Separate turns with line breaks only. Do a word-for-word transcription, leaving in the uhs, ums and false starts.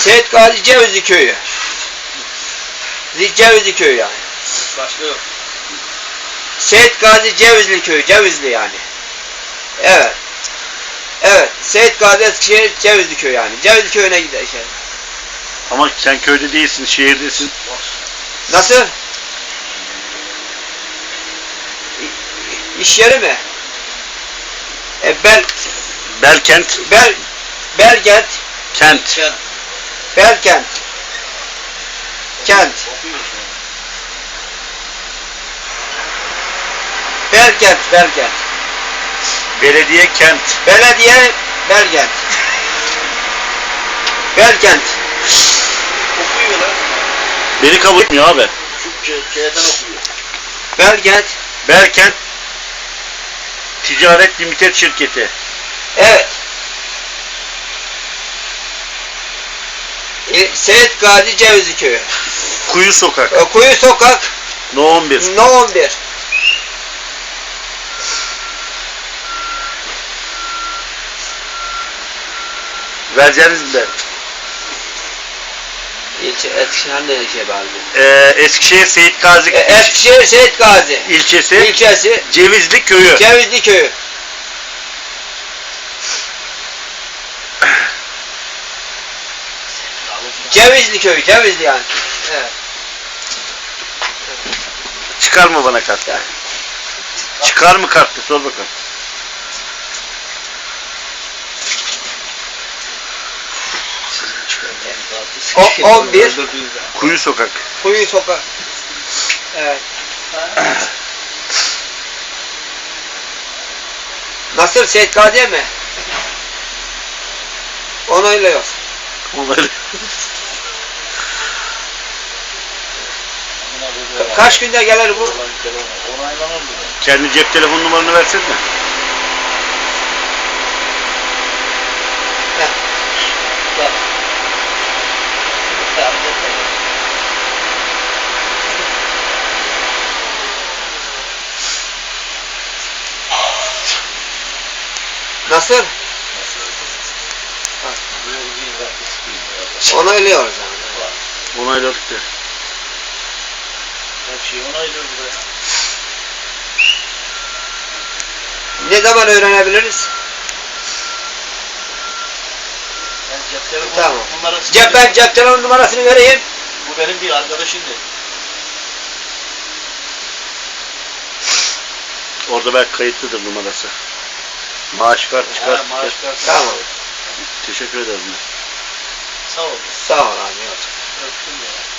Seyit Gazi Cevizli köyü. Cevizli köyü yani.
Başka yok.
Seyit Gazi Cevizli köyü, Cevizli yani. Evet. Evet, Seyit Gazi Eskişehir Cevizli köyü yani. Cevizli köyüne gider şey.
Ama sen köyde değilsin, şehirdesin.
Nasıl? İş yeri mi? E, Bel,
Belkent,
Bel, Belkent,
kent.
Sen
Belkent, kent,
okuyorsun.
Belkent, Belkent,
Belediye, kent.
belediye, Belkent, Belkent,
Okuyorlar.
Beni kabul etmiyor abi.
Türkçe şeyden okuyor.
Belkent,
Belkent Ticaret Limited Şirketi.
evet. E, Seyit Gazi Cevizli köyü,
Kuyu Sokak.
e, Kuyu Sokak,
No on bir.
No on bir.
Vereceğiniz mi de?
İlçe, Eskişehir ne şey bağlı?
Ee, Eskişehir Seyit Gazi
E, Eskişehir Seyit Gazi
ilçesi,
ilçesi,
Cevizli Köyü.
Cevizli köyü. Cevizli köyü, Cevizli yani. Evet.
Çıkar mı bana kart?
Yani.
Çıkar mı kartı? Sor bakalım.
O, on bir
Kuyu Sokak.
Kuyu Sokak. Evet. Nasıl Seyit Gazi'ye mi? Onaylıyor.
Onları.
Ka- Kaç günde gelir bu?
Onaylanır mı?
Kendi cep telefon numaranı versene.
Heh.
Bak.
Nasıl? Onaylıyoruz yani.
Onayladık da.
Her şeyi onaylıyor buraya.
Ne zaman öğrenebiliriz?
Ben cep telefonu
Tamam.
numarası.
Cep, ben cep telefon numarasını vereyim.
Bu benim bir arkadaşım değil.
Orada belki kayıtlıdır numarası. Maaş kart çıkar.
Ha, maaş kartı.
Tamam.
Teşekkür ederim.
Sağ ol.
Sağ ol abi.
Öptüm ya.